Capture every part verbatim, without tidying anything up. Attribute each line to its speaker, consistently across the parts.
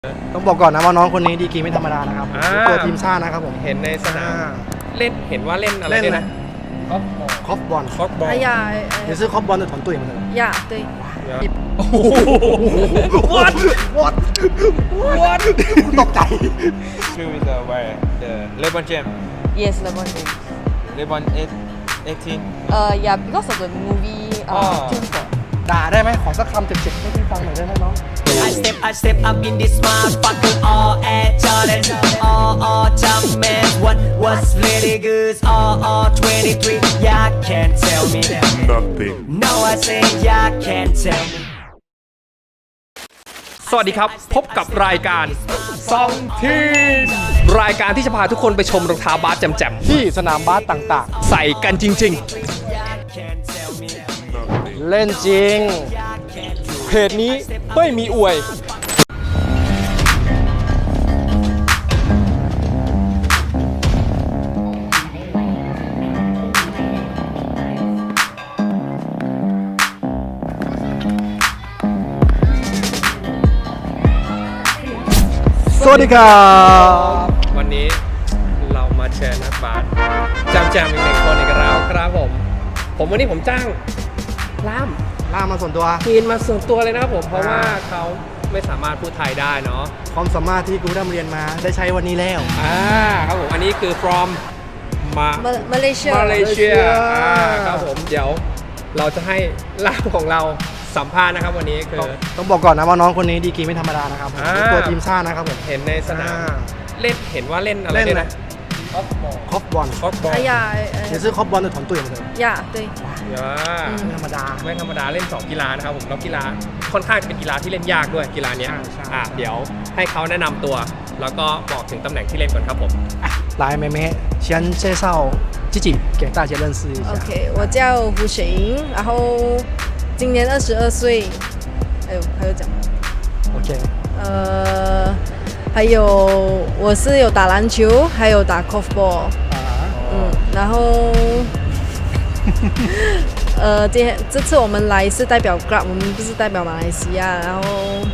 Speaker 1: ต้องบอกก่อนนะว่าน้องคนนี้ดีกรีไม่ธรรมดานะครับตัวทีมชาตินะครับผม
Speaker 2: เห็นในสนามเล่นเห็นว่าเล่นอะไรเนี่ยนะ
Speaker 1: คอฟบอล
Speaker 2: คอฟบอล
Speaker 3: 哎呀，
Speaker 1: 也是คอฟบอล的团队嘛
Speaker 3: 呀，对，
Speaker 2: โอ้โห
Speaker 1: what what what ตกใจ
Speaker 2: ชื่อ is the where the LeBron James
Speaker 3: yes, LeBron James.
Speaker 2: LeBron eighteen
Speaker 3: Uh, yeah, because of the movie. Uh,
Speaker 2: Oh.
Speaker 3: Team Sport.
Speaker 1: ด่าได้ไหมขอสักคำเจ็บๆให้พี่ฟังหน่อยได้ไหมน้อง
Speaker 4: I step, I step up in this motherfucker, all at Jordan, all, all Jumpman. What, what's really good, all, all twenty-three. Y'all can't tell me
Speaker 5: Nothing.
Speaker 4: No, I say y'all can't tell me.
Speaker 2: สวัสดีครับพบกับรายการซองทีมรายการที่จะพาทุกคนไปชมรองเท้าบาสแจ่ม
Speaker 1: ที่สนามบาสต่าง
Speaker 2: ๆใส่กันจริง
Speaker 1: ๆ เล่นจริง
Speaker 2: ๆเพจนี้ไม่มีอวย
Speaker 1: สวัสดีครับ
Speaker 2: วันนี้เรามาเชิญนักบาสแจมๆอีกหนึ่งคนอีกแล้วครับผมผมวันนี้ผมจ้างล่าม
Speaker 1: ล่ามาส่วนตัว
Speaker 2: ทีนมาส่วนตัวเลยนะครับผมเพราะว่าเขาไม่สามารถพูดไทยได้เนาะ
Speaker 1: ความสามารถที่กูได้เรียนมาได้ใช้วันนี้แล้ว
Speaker 2: อ่าครับผมอันนี้คือ from มา
Speaker 3: Ma- Malaysia.
Speaker 2: มาเลเซีย
Speaker 1: Malaysia
Speaker 2: อ่าครับผมเดี๋ยวเราจะให้ล่ามของเราสัมภาษณ์นะครับวันนี้คือ
Speaker 1: ต้องบอกก่อนนะว่าน้องคนนี้ดีกรีไม่ธรรมดานะครับ
Speaker 2: อ่า
Speaker 1: ตัวทีมชาตินะครับผม
Speaker 2: เห็นในสนาม
Speaker 1: อ่า
Speaker 2: เล่นเห็นว่าเล่นอะไร
Speaker 1: เล่น
Speaker 2: เนี่ย
Speaker 1: อะไร
Speaker 2: นะออฟบอล
Speaker 1: คอฟบอล
Speaker 2: ออฟบอล
Speaker 3: 哎呀，
Speaker 1: 也是คอฟบอล的团队嘛
Speaker 3: 呀，对，
Speaker 1: ไม่ธรรมดา
Speaker 2: ไม่ธรรมดาเล่นสองกีฬานะครับผมแล้วกีฬาค่อนข้างจะเป็นกีฬาที่เล่นยากด้วยกีฬาเนี้ย
Speaker 1: ใช่ใช่
Speaker 2: อ่าเดี๋ยวให้เขาแนะนำตัว แล้วก็บอกถึงตำแหน่งที่เล่นก่อนครับผม
Speaker 1: 来，妹妹先介绍自己给大家认识一下。
Speaker 3: OK，我叫胡雪莹，然后今年二十二岁。哎呦，还有讲吗？
Speaker 1: OK，
Speaker 3: 呃，还有我是有打篮球，还有打 corfball。
Speaker 1: 啊，
Speaker 3: 嗯，然后呃，今天这次我们来是代表 Grab，我们不是代表马来西亚。然后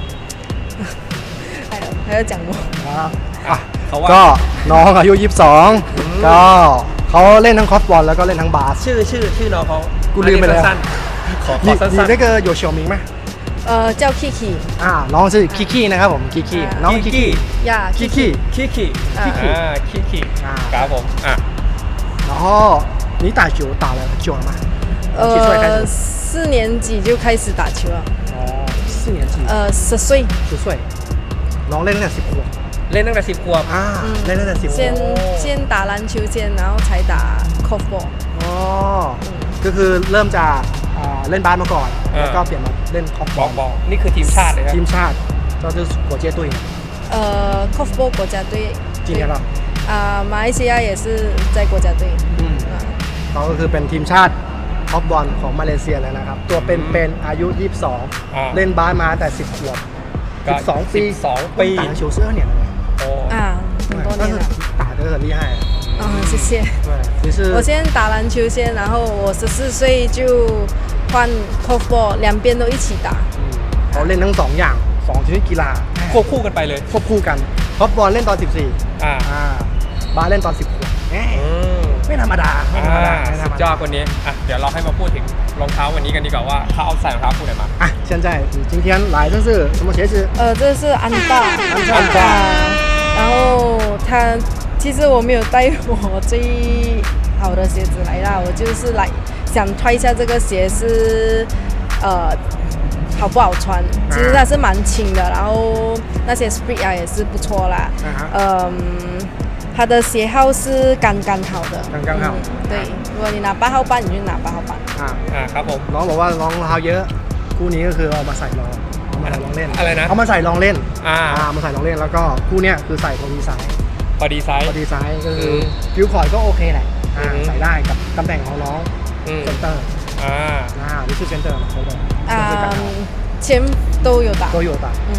Speaker 3: 还有还有讲吗？
Speaker 1: อ่ะ
Speaker 2: เขาว่า
Speaker 1: ก็น้องอายุยี่สิบสองก็เขาเล่นทั้งคอฟบอลแล้วก็เล่นทั้งบาส
Speaker 2: ชื่อชื่อชื่อน้องเขา
Speaker 1: กูลืมไปแล้ว
Speaker 2: สั้นๆขอข
Speaker 1: 你
Speaker 2: อสั้
Speaker 1: 你
Speaker 2: น
Speaker 1: 那个有小名吗？
Speaker 3: 呃，叫 Kiki
Speaker 1: อ่าน้องชื่อคิคินะครับผมคิคิ
Speaker 3: อ่า
Speaker 1: น้อง
Speaker 2: ๆ
Speaker 1: คิ
Speaker 2: คิ
Speaker 1: คิ
Speaker 2: กิ
Speaker 3: 呀
Speaker 1: คิคิ
Speaker 2: คิกิ
Speaker 3: อ่า
Speaker 2: อ่าคิกิ
Speaker 1: อ่า
Speaker 2: ครับผมอ่ะ
Speaker 1: 然后你打球打了很久了吗？几岁开
Speaker 3: 呃，
Speaker 1: 始？
Speaker 3: 四年级就开始打球了，
Speaker 1: 哦，四年级，
Speaker 3: 呃，十岁，
Speaker 1: 十岁。น้องเล่นตั้งแต่สิบขวบ
Speaker 2: เล่นตั้งแต่สิบขวบ
Speaker 1: อ่าเล่นตั้งแต่สิบขว
Speaker 3: 先
Speaker 1: บ
Speaker 3: 先打篮球先，然后才打 corfball。
Speaker 1: อ๋อก็คือเริ่มจากอ่าเล่นบาสมาก่อน
Speaker 2: อ่า
Speaker 1: แล้วก็เปลี่ยนมาเล่นคอฟ
Speaker 2: บบ อ
Speaker 1: อ
Speaker 2: ก
Speaker 1: ล
Speaker 2: บอกนี่คือทีมชาติเลยครับ
Speaker 1: ทีมชาติก็คือหัวเจ้ตุ้ย
Speaker 3: 呃，corfball 国家队。
Speaker 1: 几年了？
Speaker 3: 啊、马来西亚也是在国家队。
Speaker 1: อืม
Speaker 3: 啊，
Speaker 1: เขาก็คือเป็นทีมชาติคอฟบอลของมาเลเซียเลยนะครับ ตัวเป็นเป็นอายุยี่สิบสอง
Speaker 2: อ่า
Speaker 1: เล่นบาสมาแต่สิบขวบ
Speaker 2: ก็
Speaker 1: สิบสองปี
Speaker 2: สิบสองปี
Speaker 1: 打篮球是二年了
Speaker 2: โอ้
Speaker 3: 啊，很多
Speaker 1: 但是
Speaker 3: 年了。
Speaker 1: 打得很厉害
Speaker 3: 啊、谢谢。
Speaker 1: 对你是
Speaker 3: 我先打篮球先，然后我十四岁就换 corfball，两边都一起打。
Speaker 1: อืมเขาเล่นทั้งสองอย่างสองชนิดกีฬา
Speaker 2: ควบคู่กันไปเลย
Speaker 1: ควบคู่กันคอฟบอลเล่นตอนสิบสี่
Speaker 2: อ่า
Speaker 1: อ่าบาสเล่นตอนสิบขวบแหม
Speaker 2: อืม
Speaker 1: ไม่ธรรมดาไม่ธรรมดา
Speaker 2: อ่า
Speaker 1: ไม่ธร
Speaker 2: สุ
Speaker 1: รม
Speaker 2: ดยอ
Speaker 1: ดา
Speaker 2: ดคนนี้อ่ะเดี๋ยวเราให้มาพูดถึงรองเท้าวันนี้กันดีกว่าว่าเขาเอาใส่รองเท้าคู่ไหนมา
Speaker 1: 啊，现在你今天来这是什么鞋子？
Speaker 3: 呃，这是安踏，
Speaker 1: 安踏
Speaker 3: 啊然后他其实我没有带我最好的鞋子来啦，我就是来想穿一下这个鞋是呃好不好穿。其实它是蛮轻的，然后那些 sprit 啊也是不错啦。
Speaker 1: 啊哈
Speaker 3: 嗯，它的鞋号是刚刚好的。
Speaker 1: 刚刚好
Speaker 3: 嗯对，如果你拿八号半，你就拿八号半。
Speaker 1: อ่า
Speaker 2: อ่าครับผม
Speaker 1: น้องบอกว่ารองเท้าเยอะ คู่นี้ก็คือเอามาใส่ลองเอามาใส่ลองเล่น
Speaker 2: อะไรนะ
Speaker 1: เอามาใส่ลองเล่น
Speaker 2: อ่า
Speaker 1: อ่ามาใส่ลองเล่นแล้วก็คู่เนี้ยคือใส่พอดีไซส์
Speaker 2: พอดีไซส์
Speaker 1: พอดีไซส์ก็คือ
Speaker 2: ม
Speaker 1: ฟิวคอร์ดก็โอเคแหละอ่า
Speaker 2: อืม
Speaker 1: ใส่ได้กับตำแหน่งของน้อง
Speaker 2: อืม
Speaker 1: เซนเตอร์
Speaker 2: อ่า
Speaker 1: อ่านี่คือเซนเตอร์นะเขาเลย
Speaker 3: 啊、前都有打。
Speaker 1: 都有打
Speaker 3: 嗯，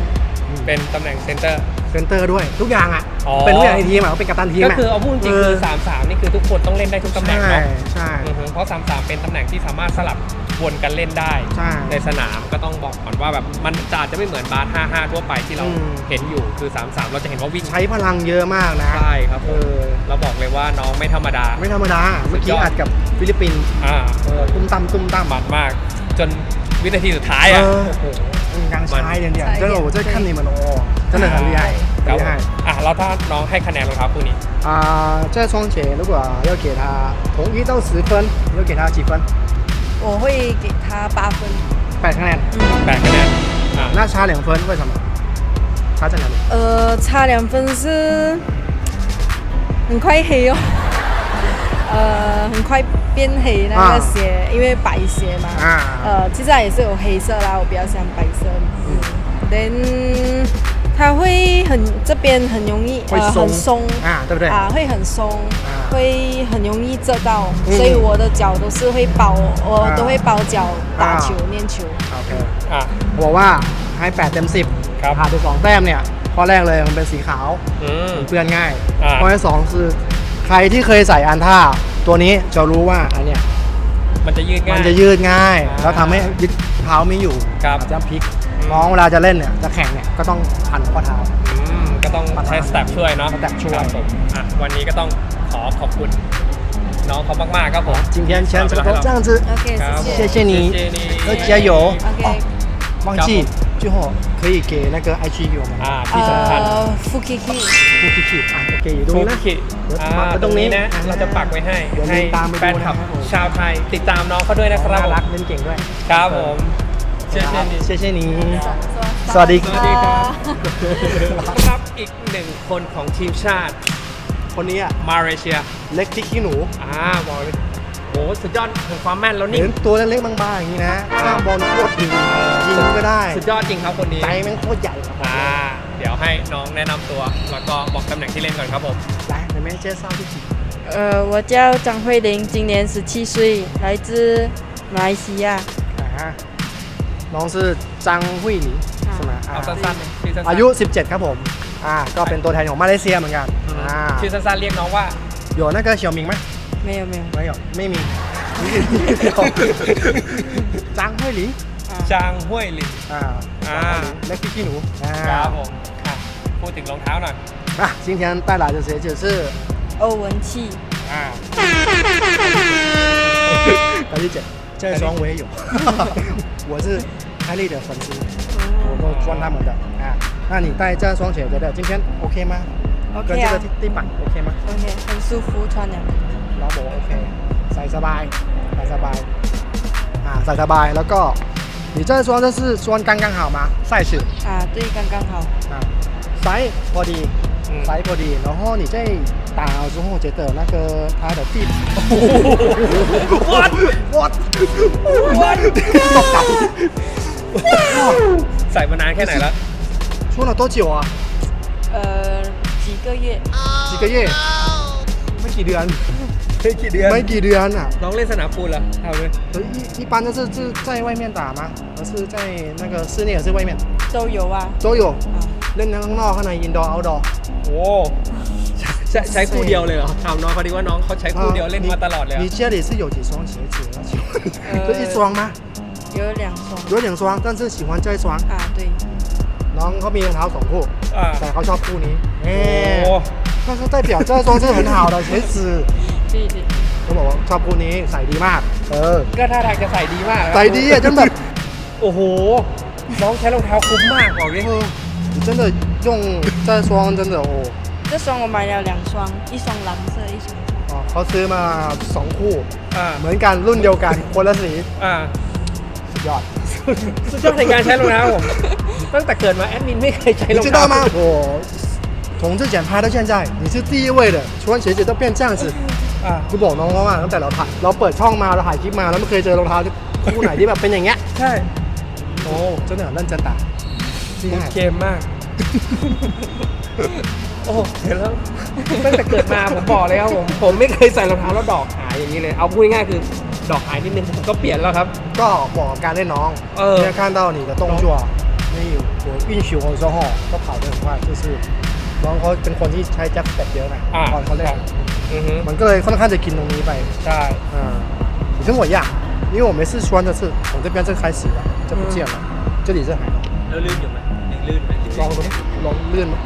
Speaker 2: เป็นตำแหน่งเซนเตอร์
Speaker 1: เซนเตอร์ด้วยทุกอย่างอ่ะ
Speaker 2: อ๋อ
Speaker 1: เป็นทุกอย่างในทีมอ่ะเป็นกัปตันทีม
Speaker 2: ก็
Speaker 1: อ่ะ
Speaker 2: คือเอาพูดจริงๆคือสามสามนี่คือทุกคนต้องเล่นได้ทุกตำแหน่ง
Speaker 1: ใช่
Speaker 2: เนาะ
Speaker 1: ใช่
Speaker 2: อือฮึเพราะสามสามเป็นตำแหน่งที่สามารถสลับวนกันเล่นได้
Speaker 1: ใช่
Speaker 2: ในสนามก็ต้องบอกก่อนว่าแบบมันจะอาจจะไม่เหมือนบาสห้าห้าทั่วไปที่เรา
Speaker 1: อืม
Speaker 2: เห็นอยู่คือสามสามเราจะเห็นว่าวิ่ง
Speaker 1: ใช้พลังเยอะมากนะ
Speaker 2: ใช่ครับผ
Speaker 1: เอ
Speaker 2: ม
Speaker 1: อ
Speaker 2: เราบอกเลยว่าน้องไม่ธรรมดา
Speaker 1: ไม่ธรรมดาเมื่อกี้อัดกับฟิลิปปินส์
Speaker 2: อ่า
Speaker 1: เออตุ้มตั้มตุ้มตั้ม
Speaker 2: มันมาก จนวินาทีสุดท้าย
Speaker 1: เอ
Speaker 2: อ่ะ
Speaker 1: อ
Speaker 2: โอ้โห
Speaker 1: 刚才一点点，
Speaker 3: 差一点
Speaker 1: 这个我在看你们哦，真的很厉害，
Speaker 2: ครับ
Speaker 1: 很厉害
Speaker 2: อ่ะแล้วถ้าน้องให้คะแนนรองเท้าคู่นี้
Speaker 1: 啊！这双鞋如果要给他从一到十分，要给他几分？
Speaker 3: 我会给他八分。
Speaker 1: 百คะแนน
Speaker 2: แปดคะแนนอ่ะ
Speaker 1: 那差两分，为什么？差在哪里？
Speaker 3: 呃，差两分是很快黑哦，呃，很快变黑那个鞋，因为白鞋嘛。
Speaker 1: 啊
Speaker 3: 呃，其实它也是有黑色啦，我比较喜欢白色。嗯。Then 它会很这边很容易
Speaker 1: 会松
Speaker 3: 呃很松
Speaker 1: 啊，对不对？
Speaker 3: 啊，会很松，
Speaker 1: 啊
Speaker 3: 会很容易遮到，
Speaker 1: 嗯
Speaker 3: 所以我的脚都是会包，我
Speaker 1: 啊
Speaker 3: 都会包脚打
Speaker 1: 啊
Speaker 3: 球练球。
Speaker 1: โอเค
Speaker 2: อ่ะ
Speaker 1: บอกว่าให้แปดเต็มสิบ
Speaker 2: ครับ
Speaker 1: ขาดไปสองแต้มเนี่ยข้อแรกเลยมันเป็นสีขาว
Speaker 2: อืม
Speaker 1: เปื้อนง่าย
Speaker 2: อ่า
Speaker 1: ข้อที่สองคือใครที่เคยใส่อันท่าตัวนี้จะรู้ว่าอันเนี้ย
Speaker 2: มันจะยืดง่าย
Speaker 1: มันจะยืดง่าย
Speaker 2: อ่า
Speaker 1: แล้วทำให้ยึดเท้าไม่อยู่
Speaker 2: ครับ
Speaker 1: อาจจะพลิกน้องเวลาจะเล่นเนี่ยจะแข่งเนี่ยก็ต้องพันข้อเท้า
Speaker 2: อืมก็ต้องใช้สเต็ปช่วยเนาะ
Speaker 1: สเต็ปช่วย
Speaker 2: ครับผมอ่ะวันนี้ก็ต้องขอขอบคุณน้องเขามากๆครับผม
Speaker 1: 今天全程都这样子
Speaker 3: OK，
Speaker 2: ครับผม
Speaker 3: 谢谢。
Speaker 1: 谢谢你
Speaker 2: 谢谢你
Speaker 1: 要加油
Speaker 3: OK，
Speaker 1: 哦忘记最后可以给那个 I G 给我们
Speaker 2: อ่าที่สำคัญ
Speaker 3: 呃，Fukiki。
Speaker 1: พูดคิดอ่ะโอเคอยู่ตรง
Speaker 2: ทุ
Speaker 1: นี้
Speaker 2: ก
Speaker 1: นะ
Speaker 2: ขีด
Speaker 1: เดี๋ยว
Speaker 2: อ่า
Speaker 1: มา
Speaker 2: ตรงนี้นะ
Speaker 1: ตรงนี้
Speaker 2: เราจะปักไว้ให้
Speaker 1: เดี๋ยว
Speaker 2: ให้
Speaker 1: ตามไปดู
Speaker 2: แฟนคลับ
Speaker 1: นะครับผม
Speaker 2: ชาวไทยติดตามน้องเขาด้วยนะครับ
Speaker 1: น่า
Speaker 2: ผม
Speaker 1: รักเล่นเก่งด้วย
Speaker 2: ครับผมเช่นนี้
Speaker 1: 谢谢你
Speaker 3: ส
Speaker 1: สวัสดี
Speaker 2: สวัสดีครับครับอีกหนึ่งคนของทีมชาติ
Speaker 1: คนนี้อ่ะ
Speaker 2: มาเลเซีย
Speaker 1: เล็กที่ขี้หนู
Speaker 2: อ่าบอกเลยโหสุดยอดถึงความแม่นแล้วนี่
Speaker 1: เห็นตัวเล็กๆบางๆอย่างนี้นะข้ามบอลโคตรดียิงก็ได้
Speaker 2: สุดยอดจริงครับคนนี้
Speaker 1: ใจแม่งโคตรใหญ่ครับ
Speaker 2: อ่าเดี๋ยวให้น้องแนะนำตัว แล้วก็บอกตำแหน่งที่เล่นก่อนครับผม
Speaker 1: 来你们介绍自己
Speaker 3: 呃，我叫张慧玲，今年十七岁，来自马来西亚。
Speaker 1: อ่าน้องชื่อจังหุยหลีใช่ไหมอ่า
Speaker 2: เอาสั้นๆเลยชื่อสั้นๆ
Speaker 1: อายุ สิบเจ็ด ครับผมอ่าก็เป็นตัวแทนของมาเลเซียเหมือนกัน
Speaker 2: อืม
Speaker 1: อ่า
Speaker 2: ชื่อสั้นๆเรียกน้องว่า
Speaker 1: 有那个小明ไหม
Speaker 3: 没有没有。
Speaker 1: 没有ไม่มีจังหุยหลี
Speaker 2: จางห้วยหลิน
Speaker 1: อ่า
Speaker 2: อ่า
Speaker 1: เล็กที่ขี้หนูอ่า
Speaker 2: ครับผมอ่ะพูดถึงรองเท้าหน่อย
Speaker 1: อ่ะ今天带来的鞋子是
Speaker 3: 欧文气。
Speaker 2: อ่า
Speaker 1: 白丽姐这双我也有我是开利的粉丝我都穿他们的啊那你带这双鞋觉得今天 OK 吗
Speaker 3: OK
Speaker 1: 跟这个
Speaker 3: 啊
Speaker 1: 地板 OK 吗
Speaker 3: OK，很舒服，穿两个。
Speaker 1: เราบอกโอเคใส่สบายใส่สบายอ่าใส่สบายแล้วก็你这双这是穿刚刚好吗赛事
Speaker 3: 啊，对，刚刚好。
Speaker 1: 啊ไซส์พอดี
Speaker 2: อืม
Speaker 1: ไซส์พอดี然后你在打之后觉得那个它的地
Speaker 2: What
Speaker 1: what
Speaker 2: What
Speaker 1: ตกใจ
Speaker 2: ใส่มานานแค่ไหนแล้ว
Speaker 1: 穿了多久啊
Speaker 3: 呃，几个月。
Speaker 1: 几个月ไม่กี่เดือน
Speaker 2: ไม่กี่เดือน
Speaker 1: ไม่กี่เดือนอ่ะ
Speaker 2: น้องเล่นสนามปูนเหรอเอาเลย
Speaker 1: 一一般都是是在外面打吗？还是在那个室内还是外面？
Speaker 3: 都有啊。
Speaker 1: 都有。
Speaker 3: 啊，
Speaker 1: เล่นทั้งข้างนอกข้างใน indoor outdoor。
Speaker 2: โอ้ใช้ใช้คู่เดียวเลยเหรอถามน้องเขาดีว่าน้องเขาใช้คู่เดียวเล่นมาตลอดเลยเหร
Speaker 1: 你
Speaker 2: อ
Speaker 1: 家里是有几双鞋子？请问
Speaker 3: 呃
Speaker 1: 就一双吗？
Speaker 3: 有两双。
Speaker 1: 有两双，但是喜欢这一双。
Speaker 3: 啊，对。
Speaker 1: น้องเขามีรองเท้าสองคู่
Speaker 2: อ่า
Speaker 1: แต่เขาชอบคู่นี้เอ๊
Speaker 2: โอ้
Speaker 1: 但是代表这双是很好的鞋子
Speaker 3: 对对。
Speaker 1: เขาบอกว่าชอบคู่นี้ใส่ดีมาก เออ
Speaker 2: ก็ท่าทางจะใส่ดีมากนะครับ
Speaker 1: ใส่ดีอ่ะจนแบบ
Speaker 2: โอ้โห น้องใช้รองเท้าคุ้มมากบอกเลย
Speaker 1: เออ你真的用这双真的哦
Speaker 3: 这双我买了两双，一双蓝色，一双黄。
Speaker 1: อ๋อเขาซื้อมาสองคู่
Speaker 2: อ่า
Speaker 1: เหมือนกันรุ่นเดียวกันคนละสี
Speaker 2: อ่า
Speaker 1: สุดยอด
Speaker 2: สุดยอดในการใช้รองเท้าผม ตั้งแต่เกิดมาแอดมินไม่เคยใช้ร
Speaker 1: 你
Speaker 2: อง
Speaker 1: 知
Speaker 2: เท้า
Speaker 1: 道吗？我从之前拍到现在，你是第一位的，穿鞋子都变这样子。
Speaker 2: อ่า
Speaker 1: คือบอกน้องเขาว่าตั้งแต่เราถ่ายเราเปิดช่องมาเราถ่ายคลิปมาแล้วไม่เคยเจอรองเท้าคู่ไหนที่แบบเป็นอย่างเงี้ย
Speaker 2: ใช่
Speaker 1: โอ้真的很认真打厉
Speaker 2: คุณ
Speaker 1: 害
Speaker 2: เกมมาก โอ้เห็นแล้ว ตั้งแต่เกิดมาผมบอกเลยครับผม ผมไม่เคยใส่รองเท้าแล้วดอกหายอย่างนี้เลย เอาพูดง่ายๆคือดอกหายนิดนึงผมก็เปลี่ยนแล้วครับ
Speaker 1: ก็บอกกับการเล่นน้อง
Speaker 2: เออ
Speaker 1: เนี่ย看到你的动作没有没我运球的时候都跑得很快，就是น้องเขาเป็นคนที่ใช้แจ็คสเต็ปเยอะไง
Speaker 2: อ่า
Speaker 1: ตอนเขาเล่น
Speaker 2: อือฮึ
Speaker 1: มันก็เลยค่อนข้างจะกินตรงนี้ไป
Speaker 2: ใช่
Speaker 1: 嗯，你跟我一样，因为我每次穿的是从这边这开始了，这不见了，这里是还好。
Speaker 5: แล้วลื่นอยู่ไหมยังลื่นไหม
Speaker 1: ลองดูดิลองลื่นไหม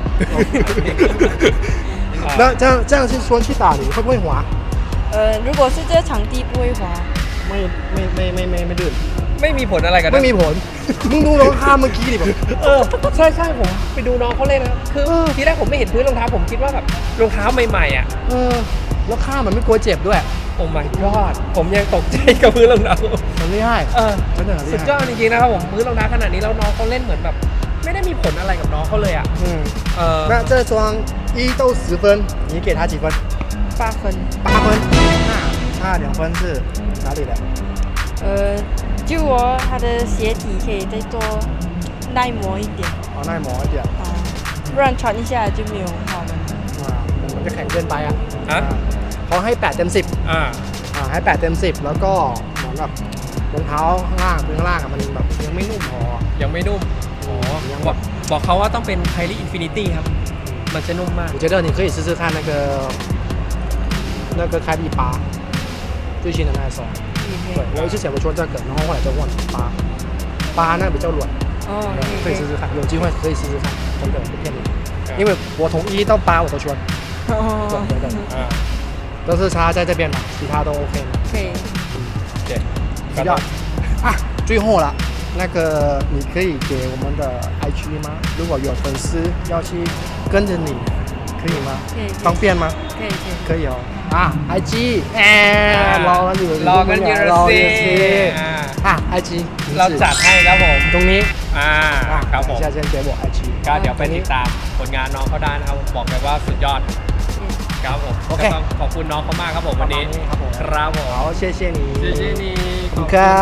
Speaker 1: 那这样这样去穿去打你会不会滑？
Speaker 3: 呃，如果是这个场地不会滑。
Speaker 1: ไม่ไม่ไม่ไม่ไม่ไม่ลื่น
Speaker 2: ไม่มีผลอะไรกันนะ
Speaker 1: ไม่มีผล มึงดูรองเท้าเมื่อกี้ดิแบบ
Speaker 2: เออใช่ใช่ผมไปดูน้องเขาเล่นนะครับคือทีแรกผมไม่เห็นพื้นรองเท้าผมคิดว่าแบบรองเท้าใหม่ๆอ่ะ
Speaker 1: เออแล้วข้ามันไม่กลัวเจ็บด้วย
Speaker 2: โอ้ my god ผมยังตกใจกับพื้นรองเท้า
Speaker 1: มันไม่ได้
Speaker 2: เออ
Speaker 1: 真的很厉
Speaker 2: สุด
Speaker 1: 害
Speaker 2: ยอดจริงๆนะครับผมพื้นรองเท้าขนาดนี้แล้วน้องเขาเล่นเหมือนแบบ ไม่ได้มีผลอะไรกับน้องเขาเลยอ่ะ
Speaker 1: 嗯
Speaker 2: เออ
Speaker 1: 那这双一到十分你给他几分
Speaker 3: 八分。
Speaker 1: 八分那差两分是哪里的
Speaker 3: 呃，就哦，它的鞋底可以再多耐磨一点
Speaker 1: 哦耐磨一点
Speaker 3: 啊，不然穿一下就没有好了。
Speaker 1: อ่ามันจะแข็งเกินไปอ่ะ
Speaker 2: ฮะ
Speaker 1: เขาให้แปดเต็มสิบ
Speaker 2: อ่า
Speaker 1: อ่าให้แปดเต็มสิบแล้วก็เหมือนแบบรองเท้าข้างล่างพื้นข้างล่างอะมันแบบยังไม่นุ่มพอ
Speaker 2: ยังไม่นุ่มอ๋อ
Speaker 1: ยัง
Speaker 2: บอกบอกเขาว่าต้องเป็นไคลี่อินฟินิตี้ครับ มันจะนุ่มมาก
Speaker 1: 我觉得你可以试试看那个那个开利八最新的那一双对我一直想我说这个然后后来就问八八那个比较软
Speaker 3: 哦，
Speaker 1: 可以试试看有机会可以试试看真的不骗你因为我从一到八我都穿对
Speaker 3: 哦，
Speaker 1: 对对
Speaker 2: อ่า
Speaker 1: 都是差在这边嘛其他都 OK 嘛
Speaker 3: 可以。
Speaker 2: โอเค
Speaker 1: 需要啊，最后了，那个你可以给我们的 I G 吗？如果有粉丝要去跟着你，可以吗？
Speaker 3: 可以
Speaker 1: 方便吗？
Speaker 3: 可以可以。
Speaker 1: 可以哦。啊，I G，哎，รอกันอยู่
Speaker 2: รอกันอยู่
Speaker 1: รอ
Speaker 2: สิ
Speaker 1: อยู่สิ
Speaker 2: อ่า
Speaker 1: อ่ะ I G
Speaker 2: เราจัดให้ครับผม
Speaker 1: ตรงนี้
Speaker 2: อ่า
Speaker 1: อ่ะ
Speaker 2: ครับผม
Speaker 1: 现在先给我 I G
Speaker 2: ก็เดี๋ยวไปติดตามผลงานน้องเขาได้นะครับบอกเลยว่าสุดยอดครับผม
Speaker 1: โอเค
Speaker 2: ก็ต้องขอบคุณน้องเขามากครับผมวันนี้
Speaker 1: ครับผม
Speaker 2: ครับผม
Speaker 1: 好谢谢你
Speaker 2: เจเจนี่
Speaker 1: ขอบคุณครับ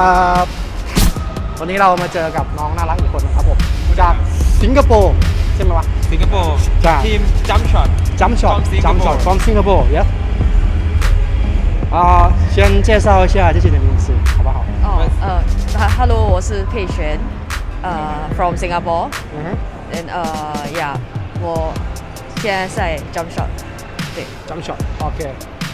Speaker 1: วันนี้เรามาเจอกับน้องน่ารักอีกคนนะครับผม จากสิงคโปร์ใช่ไหมวะ
Speaker 5: สิงคโปร์
Speaker 1: ใช่
Speaker 5: ทีมจัมช็อต
Speaker 1: Jump shot,
Speaker 5: From
Speaker 1: jump shot
Speaker 5: Singapore.
Speaker 1: from Singapore, yeah. 啊，先介绍一下自己的名字，好不好？
Speaker 3: 哦，呃哈，Hello，我是佩璇，呃，from Singapore，
Speaker 1: 嗯哼
Speaker 3: and 呃，yeah，我现在在 Jump Shot，对
Speaker 1: ，jump shot，OK。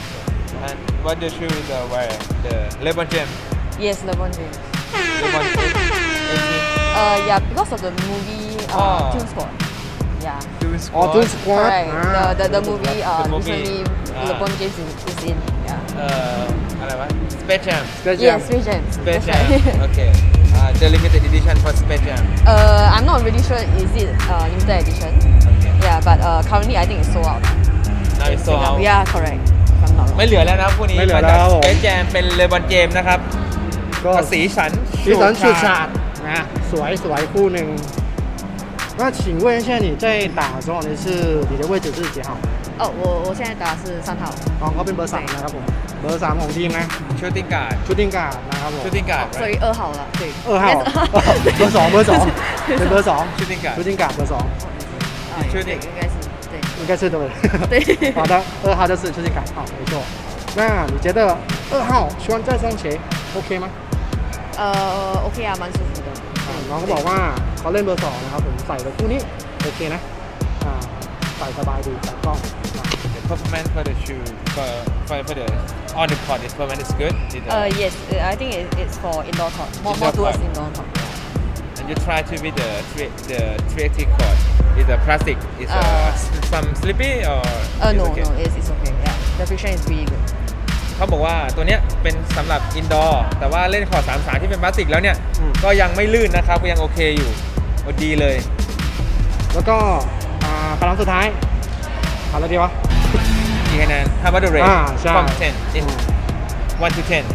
Speaker 5: and what the shoe the wear the LeBron James
Speaker 3: ，Yes，LeBron James，
Speaker 5: LeBron James eighteen
Speaker 3: 呃，yeah， because of the movie，呃
Speaker 5: 哦
Speaker 3: ，Dune Squad，yeah。
Speaker 5: do
Speaker 1: 哦
Speaker 5: squat
Speaker 1: ，Dune Squad，
Speaker 3: Correct.
Speaker 1: 啊
Speaker 3: The the the movie uh
Speaker 5: The movie.
Speaker 3: recently
Speaker 5: Ah.
Speaker 3: LeBron James is, is in. Yeah.
Speaker 5: เอ่ออะไรวะ Space Jam
Speaker 1: Space
Speaker 3: Yes,
Speaker 1: Jam
Speaker 3: Space Jam.
Speaker 5: Space
Speaker 3: That's
Speaker 5: Jam
Speaker 3: right.
Speaker 5: okay uh, the limited edition for Space Jam
Speaker 3: uh, I'm not really sure is it uh limited edition.
Speaker 5: okay
Speaker 3: Yeah, but uh currently I think it's sold out.
Speaker 5: now it's sold out
Speaker 3: Yeah, correct. If I'm not wrong.
Speaker 5: ไม่เหลือแล้วนะครับพวกนี้
Speaker 1: ไม่เหลือ
Speaker 5: มา
Speaker 1: แล้
Speaker 5: จาก
Speaker 1: ว
Speaker 5: Space Jam เป็น LeBron James นะครับ
Speaker 1: ก็
Speaker 5: สีสัน
Speaker 1: สีสันฉูดฉาดนะสวยสวยคู่หนึ่ง那请问一下，你在打的时候，你是你的位置是几号？
Speaker 3: 哦，我我现在打的是三号。
Speaker 1: น้องเขาเป็นเบอร์สามนะครับผม เบอร์สามของทีมนะ
Speaker 5: ชูติ้งการ์ด
Speaker 1: ชุดดิ้งการ์ดนะครับผม
Speaker 5: ชูติ้งการ์ด
Speaker 3: 所以二号了，对。
Speaker 1: 二号
Speaker 3: Yes.
Speaker 1: เบอร์สองเบอร์สองเป็นเบอร์สอง
Speaker 5: ชูติ้งการ์ด
Speaker 1: ชุดดิ้งการ์ดเบอร์สอง
Speaker 3: 啊，
Speaker 5: 确定
Speaker 3: 对应该是对。
Speaker 1: 应该是对不对？
Speaker 3: 对
Speaker 1: 好的，二号就是出境卡，好，没错。那你觉得二号穿这双鞋 OK 吗？
Speaker 3: 呃，OK 啊，蛮舒服的。
Speaker 1: อ่าน้องก็บอกว่าเขาเล่นเบอร์สองนะครับผมใส่กับคู่นี้โอเคนะอ่าใส่สบายดีใส่กล้องอ่า
Speaker 5: the performance for the shoe for for for the on the court the performance is good Is the-
Speaker 3: Uh, yes, uh, I think it, it's for indoor court. More,
Speaker 5: Indoor
Speaker 3: more towards
Speaker 5: court.
Speaker 3: indoor court.
Speaker 5: and you try to beat the three the three eighty court is a plastic is a
Speaker 3: Uh,
Speaker 5: s- some slippy or
Speaker 3: Uh,
Speaker 5: it's
Speaker 3: no,
Speaker 5: okay?
Speaker 3: no, it's, it's okay. Yeah, the friction is really good.
Speaker 5: เขาบอกว่าตัวเนี้ยเป็นสำหรับอินดอร์แต่ว่าเล่นคอร์ดสามสามที่เป็นพลาสติกแล้วเนี่ย
Speaker 1: อืม
Speaker 5: ก็ยังไม่ลื่นนะครับก็ยังโอเคอยู่โอ้ดีเลย
Speaker 1: แล้วก็อ่าพลังสุดท้ายเอาอะไรดีวะ
Speaker 5: กี่คะแนน How about the rate
Speaker 1: อ่าใช่
Speaker 5: from ten in one to ten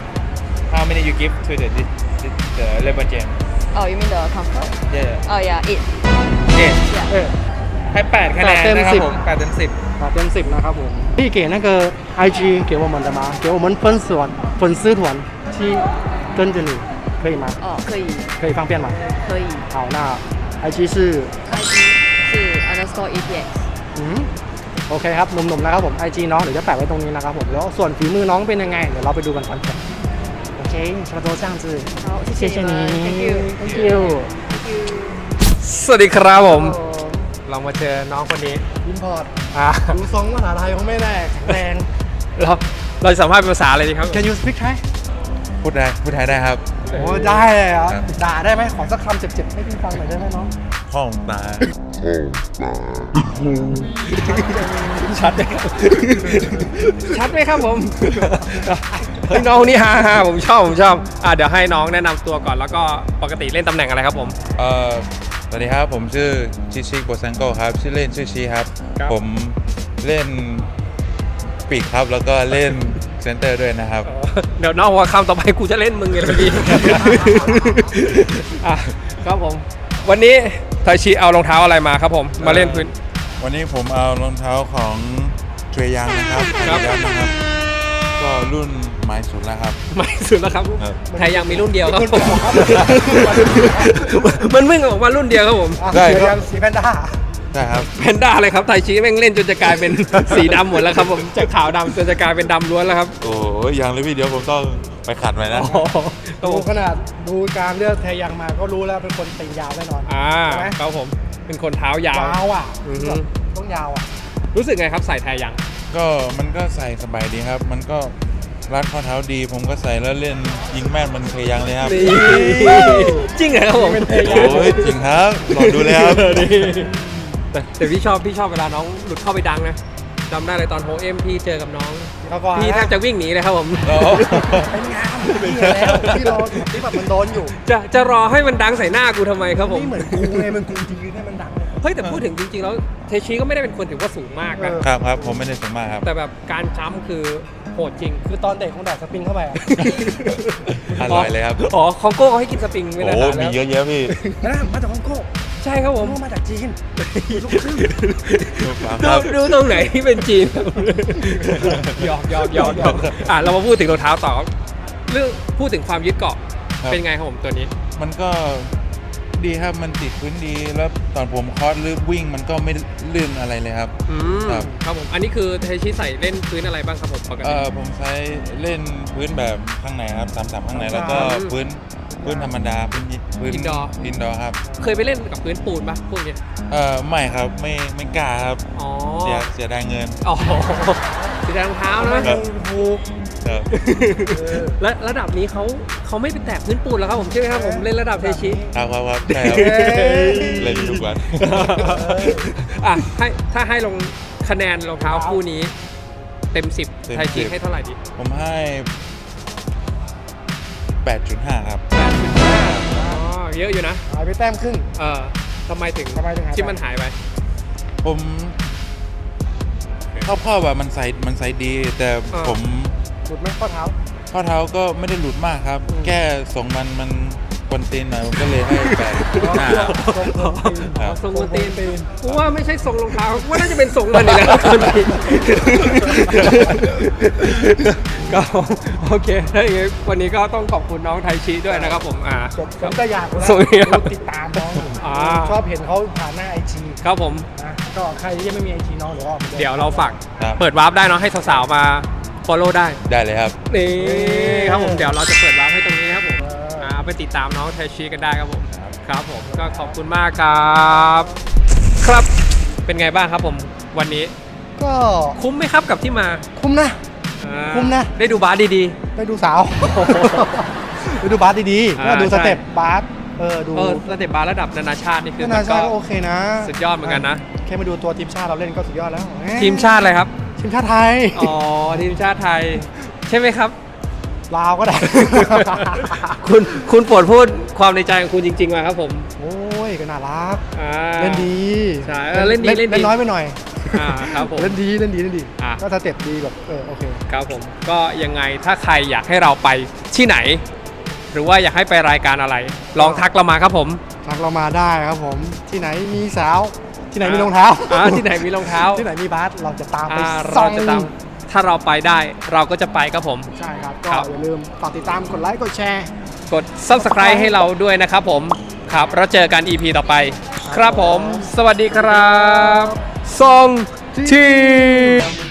Speaker 5: how many you give to the the, the, the LeBron James
Speaker 3: Oh, you mean the comfort?
Speaker 5: yeah
Speaker 3: Oh, yeah, eight.
Speaker 5: เจ็ด
Speaker 3: Yeah.
Speaker 1: เออ
Speaker 5: ให้แปดคะแนน
Speaker 1: แปดเต็ม
Speaker 5: นะครับ
Speaker 1: สิบ
Speaker 5: ผมแปดเต็มสิบ
Speaker 1: 打เต็มสิบนะครับผมพี่给那个 I G 给我们的吗？给我们粉丝团粉丝团去跟着你可以吗？
Speaker 3: 哦，可以，
Speaker 1: 可以方便吗？
Speaker 3: 可以。
Speaker 1: 好，那 I G 是
Speaker 3: I G 是 underscore A P X。
Speaker 1: อืมโอเคครับหนุ่มๆนะครับผม ไอ จี น้องเดี๋ยวจะแปะไว้ตรงนี้นะครับผมแล้วส่วนฝีมือน้องเป็นยังไงเดี๋ยวเราไปดูกันตอนจบโอเค差不多这样子
Speaker 3: 好，谢
Speaker 1: 谢谢
Speaker 3: 谢你们
Speaker 1: 你
Speaker 3: ，Thank you。
Speaker 1: Thank you
Speaker 3: Thank you.
Speaker 2: สวัสดีครับผม เรามาเจอน้องคนนี้
Speaker 1: อินพอร์ต
Speaker 2: อ่า
Speaker 1: ดูทรงภาษาไทยเขาไม่ได้แข็งแรง
Speaker 2: เราเราจะสัมภาษณ์เป็นภาษาอะไรดีครับ
Speaker 1: Can you speak Thai
Speaker 5: พูดได้พูดไทยได้ครับ
Speaker 1: โอ้ได้เลยเหรอ
Speaker 5: ครับ
Speaker 1: ด่าได้ไหมขอสักคำเจ็บๆให้พี่ฟังหน่อยได้ไหมน้อง
Speaker 5: ห้องตา
Speaker 2: ชัดไหมครับ ชัดไหมครับผมเฮ้ยน้องคนนี้ฮ่าฮ่าผมชอบผมชอบอ่าเดี๋ยวให้น้องแนะนำตัวก่อนแล้วก็ปกติเล่นตำแหน่งอะไรครับผม
Speaker 5: เอ่อสวัสดีครับผมชื่อชิชิโบซังโกครับชื่อเล่นชื่อชีครับ
Speaker 2: ครับ
Speaker 5: ผมเล่นปีกครับแล้วก็เล่นเซนเตอร์ด้วยนะครับ
Speaker 2: เดี๋ยวน้องว่าคำต่อไปกูจะเล่นมึงไงล่ะพี่ อ่ะครับผม วันนี้ไทชิเอารองเท้าอะไรมาครับผมมาเล่นพื้น
Speaker 5: วันนี้ผมเอารองเท้าของเทรยังนะครับ
Speaker 2: ครับ
Speaker 5: Adidas นะครับ ก็รุ่นใหม่สุดแล้วครับ
Speaker 2: ไม่สุดแล้วครับ
Speaker 5: ครับ
Speaker 2: ไทยยังมีรุ่นเดียวครับผมมันเพิ่งออกมารุ่นเดียวครับผม
Speaker 5: ได้
Speaker 1: เดี๋ยว
Speaker 5: ครับ
Speaker 1: ยังสีแพนด้า
Speaker 5: ได้ครับ
Speaker 2: แพนด้าอะไรครับไทชิแม่งเล่นจนจะกลายเป็น สีดำหมดแล้วครับผมจากขาวดำจนจะกลายเป็นดำล้วนแล้วครับ
Speaker 5: โอ้ยยังเลยพี่เดี๋ยวผมต้องไปขัดไว้นะ
Speaker 1: ดูขนาดดูการเลือกแทยังมาก็รู้แล้วเป็นคนตียาวแน่นอน
Speaker 2: อ่า
Speaker 1: ใช่ไหม
Speaker 2: ครับผมเป็นคนเท้ายาวย
Speaker 1: าวอ่ะ
Speaker 2: อือฮึ
Speaker 1: แบบต้องยาวอ่ะ
Speaker 2: รู้สึกไงครับใส่ไทยยัง
Speaker 5: ก็มันก็ใส่สบายดีครับ มันก็รัดข้อเท้าดี ผมก็ใส่แล้วเล่นยิงแม่นมันเคยยังเลยครับ
Speaker 2: จริงเหรอครับผม
Speaker 5: โอ้ยจริงครับลองดูเลยครับ
Speaker 2: แต่แต่พี่ชอบพี่ชอบเวลาน้องหลุดเข้าไปดังนะจำได้เลยตอนโฮเอ็มพี่เจอกับน้อง
Speaker 1: เขาก็
Speaker 2: พี่แทบจะวิ่งหนีเลยครับผม
Speaker 5: โอ้
Speaker 1: เป็นงามที่แล้วที่เราที่แบบมันโดนอยู่
Speaker 2: จะจะรอให้มันดังใส่หน้ากูทำไมครับผม
Speaker 1: นี่เหมือนกูไงมันกูจริงๆให้มันดัง
Speaker 2: เฮ้ยแต่พูดถึงจริงๆแล้วเทชิก็ไม่ได้เป็นคนถือว่าสูงมากนะ
Speaker 1: เออ
Speaker 5: ครับครับผมไม่ได้สมมากครับ
Speaker 2: แต่แบบการจ้ำคือโหดจริง
Speaker 1: คือตอนเด็กคงแดกสปริงเข้าไปอ่ะ
Speaker 5: อร่อยเลยครับ
Speaker 2: อ๋อคองโก้เขาให้กินสปริงไม่ได้
Speaker 5: โอ้
Speaker 2: นาน
Speaker 5: มี
Speaker 2: แล้ว
Speaker 5: เยอะแยะพี่
Speaker 1: นะมาจากฮ่องกง
Speaker 2: ใช่ครับผม
Speaker 1: ผมมาจากจีนลูกครึ่ง
Speaker 5: ค
Speaker 2: ดู
Speaker 5: รับ
Speaker 2: ดูตรงไหนที่เป็นจีนหยอกหยอกหยอกหยอกอ่ะเรามาพูดถึงรองเท้าต่อเรื่องพูดถึงความยึดเกาะ
Speaker 5: ครับ
Speaker 2: เป็นไงครับผมตัวนี้
Speaker 5: มันก็ดีครับ มันติดพื้นดี แล้วตอนผมคอร์สหรือวิ่งมันก็ไม่ลื่นอะไรเลยครับ
Speaker 2: อืม
Speaker 5: ครับ
Speaker 2: ครับผมอันนี้คือเทชิใส่เล่นพื้นอะไรบ้างครับผมปก
Speaker 5: เอ
Speaker 2: ติ
Speaker 5: อผมใช้เล่นพื้นแบบข้างในครับสามสามข้างในแล้วก็
Speaker 2: อืม
Speaker 5: พื้นพื้นธรรมดาพื้นพื้น
Speaker 2: Indoor
Speaker 5: อินดอร์ครับ
Speaker 2: เคยไปเล่นกับพื้นปูนปะพวกเนี้ย
Speaker 5: เออไม่ครับไม่ไม่กล้าครับ
Speaker 2: อ๋อ
Speaker 5: เสียเสียดายเงิน
Speaker 2: อ๋อสีแดงรองเท้านะ
Speaker 5: ครับ
Speaker 1: ถูก
Speaker 5: ครับ
Speaker 2: และระดับนี้เขาเขาไม่ไปแตะพื้นปูนแล้วครับผมใช่ไหมครับผมเล่นระดับเทชิ
Speaker 5: ครับครับครับใช่ครับเล่นทุกวัน
Speaker 2: อ่ะให้ถ้าให้ลงคะแนนรองเท้าคู่นี้ เต็มสิบ
Speaker 5: เต็ม
Speaker 2: ไทยชิ
Speaker 5: สิบ
Speaker 2: ให้เท่าไหร่ดี
Speaker 5: ผมให้ แปดจุดห้า ครับ
Speaker 2: แปดจุดห้าอ๋อเยอะอยู่นะ
Speaker 1: หายไปแต้มครึ่ง
Speaker 2: เออทำไมถึง
Speaker 1: ทำไมถึงหายไป
Speaker 2: ที่มันหายไป
Speaker 5: ผมครอบๆแบบมันใส่มันใส่ดี แต่
Speaker 2: อ่า
Speaker 5: ผม
Speaker 1: หลุดไหมข้อเท้า
Speaker 5: ข้อเท้าก็ไม่ได้หลุดมากครับ แค่ส่งมันมันกวนตีนหน่อยผมก็เลยให้แปดจุดห้าครับ ครับ
Speaker 2: ทรงกวนตีนกูว่าไม่ใช่ทรงรองเท้ากูว่าน่าจะเป็นทรงมันนี่แหละกวนตีนก็โอเคถ้าอย่างงี้วันนี้ก็ต้องขอบคุณน้องไทชิด้วยนะครับผมอ่า
Speaker 1: ผมผมก็อยากนะ
Speaker 2: สวัสดีครับ
Speaker 1: ติดตามน้อง
Speaker 2: อ่า
Speaker 1: ชอบเห็นเขาผ่านหน้าไอจี
Speaker 2: ครับผม
Speaker 1: นะก็ใครที่ยังไม่มีไอจีน้องหรือว่า
Speaker 2: เดี๋ยวเราฝาก
Speaker 5: ครับ
Speaker 2: เปิดวาร์ปได้เนาะให้สาวๆมา follow ได้
Speaker 5: ได้เลยครับ
Speaker 2: นี่ครับผมเดี๋ยวเราจะเปิดวาร์ปให้ตรงนี้นะครับผม
Speaker 1: เอออ่
Speaker 2: อ่าไปติดตามน้องไทชิกันได้ครับผมครับผมก็ขอบคุณมากครับ ครับเป็นไงบ้างครับผมวันนี้
Speaker 1: ก็
Speaker 2: คุ้มไหมครับกับที่มา
Speaker 1: คุ้มนะ
Speaker 2: อ่า
Speaker 1: คุ้มนะ
Speaker 2: ได้ดูบาสดี
Speaker 1: ได้ดูสาว ได้ดูบาสดีๆ
Speaker 2: อ่า
Speaker 1: ก็ดูสเต็ป
Speaker 2: ใช่
Speaker 1: บาสเออดู
Speaker 2: ๆเออสเต็ปบาสระดับนานาชาตินี่คือ
Speaker 1: นา
Speaker 2: มั
Speaker 1: นาน ชา
Speaker 2: ก็
Speaker 1: ติก็โอเคนะ
Speaker 2: สุดยอดเหมือนกันนะ
Speaker 1: แค่มาดูตัวทีมชาติเราเล่นก็สุดยอดแล้ว
Speaker 2: ทีมชาติอะไรครับ
Speaker 1: ทีมชาติไทย
Speaker 2: อ๋อทีมชาติไทย ใช่ไหมครับ
Speaker 1: ลาวก็ได้
Speaker 2: คุณคุณโปรดพูดความในใจของคุณจริงๆมาครับผม
Speaker 1: โอ้ยก็น่ารัก
Speaker 2: อ่า
Speaker 1: เล่นดี
Speaker 2: ใช่เออเล่นดีเล่นดี
Speaker 1: เล่นน้อยไปหน่อย
Speaker 2: อ่าครับผม
Speaker 1: เล่นดีเล่นดีเล่นดี
Speaker 2: อ่ะ
Speaker 1: ก็สเต็ปดีแบบเออโอเค
Speaker 2: ครับผมก็ยังไงถ้าใครอยากให้เราไปที่ไหน หรือว่าอยากให้ไปรายการอะไร ลองทักเรามาครับผม
Speaker 1: ทักเรามาได้ครับผม ที่ไหนมีสาว ที่ไหนมีรองเท้า
Speaker 2: อ่าที่ไหนมีรองเท้า
Speaker 1: ที่ไหนมีบาสเราจะตามไป
Speaker 2: อ่า
Speaker 1: ส่
Speaker 2: เรา
Speaker 1: อง
Speaker 2: จะตามถ้าเราไปได้เราก็จะไปครับผม
Speaker 1: ใช่ครับ
Speaker 2: ค
Speaker 1: ก็
Speaker 2: รับ
Speaker 1: อย่าลืมฝากติดตามกดไลค์กดแชร์
Speaker 2: กด Subscribe ให้เราด้วยนะครับผมครับแล้วเจอกัน อี พี ต่อไป ครับผม สวัสดีครับซองที